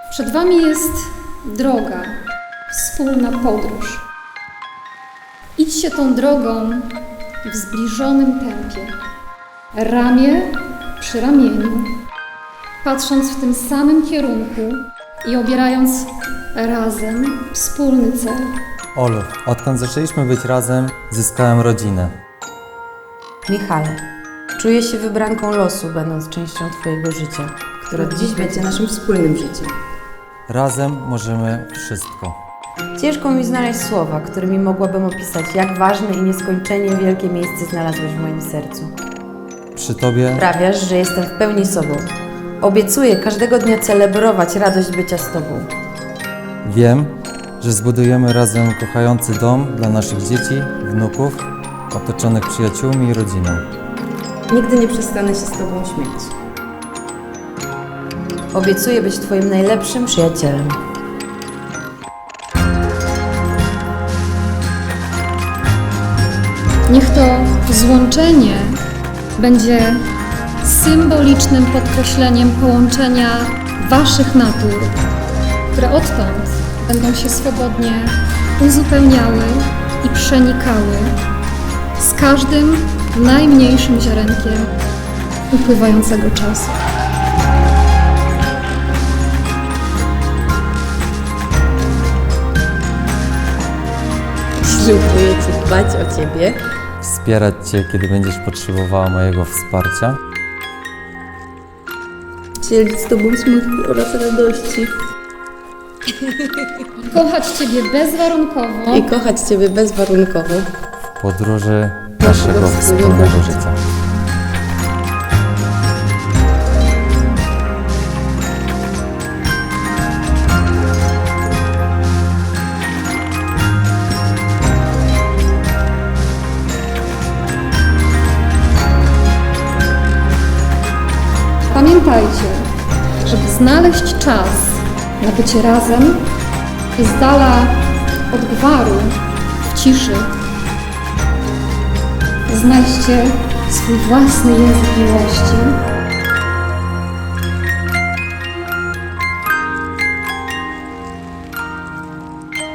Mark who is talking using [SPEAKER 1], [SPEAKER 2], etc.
[SPEAKER 1] Przed Wami jest droga, wspólna podróż. Idźcie tą drogą w zbliżonym tempie, ramię przy ramieniu, patrząc w tym samym kierunku i obierając razem wspólny cel.
[SPEAKER 2] Olu, odkąd zaczęliśmy być razem, zyskałem rodzinę.
[SPEAKER 3] Michale, czuję się wybranką losu, będąc częścią Twojego życia, które od dziś będzie naszym wspólnym życiem.
[SPEAKER 2] Razem możemy wszystko.
[SPEAKER 3] Ciężko mi znaleźć słowa, którymi mogłabym opisać, jak ważne i nieskończenie wielkie miejsce znalazłeś w moim sercu.
[SPEAKER 2] Przy Tobie
[SPEAKER 3] Sprawiasz, że jestem w pełni sobą. Obiecuję każdego dnia celebrować radość bycia z Tobą.
[SPEAKER 2] wiem, że zbudujemy razem kochający dom dla naszych dzieci, wnuków, otoczonych przyjaciółmi i rodziną.
[SPEAKER 4] Nigdy nie przestanę się z Tobą śmiać.
[SPEAKER 3] Obiecuję być Twoim najlepszym przyjacielem.
[SPEAKER 1] Niech to złączenie będzie symbolicznym podkreśleniem połączenia Waszych natur, które odtąd będą się swobodnie uzupełniały i przenikały z każdym najmniejszym ziarenkiem upływającego czasu.
[SPEAKER 4] Ślubuję Ci dbać o Ciebie.
[SPEAKER 2] Wspierać Cię, kiedy będziesz potrzebowała mojego wsparcia.
[SPEAKER 4] Dzielić z Tobą smutki oraz radości.
[SPEAKER 1] Kochać Ciebie bezwarunkowo
[SPEAKER 4] I kochać Ciebie bezwarunkowo.
[SPEAKER 2] W podróży naszego wspólnego życia.
[SPEAKER 1] Pamiętajcie, żeby znaleźć czas na bycie razem i z dala od gwaru, w ciszy, znajdźcie swój własny język miłości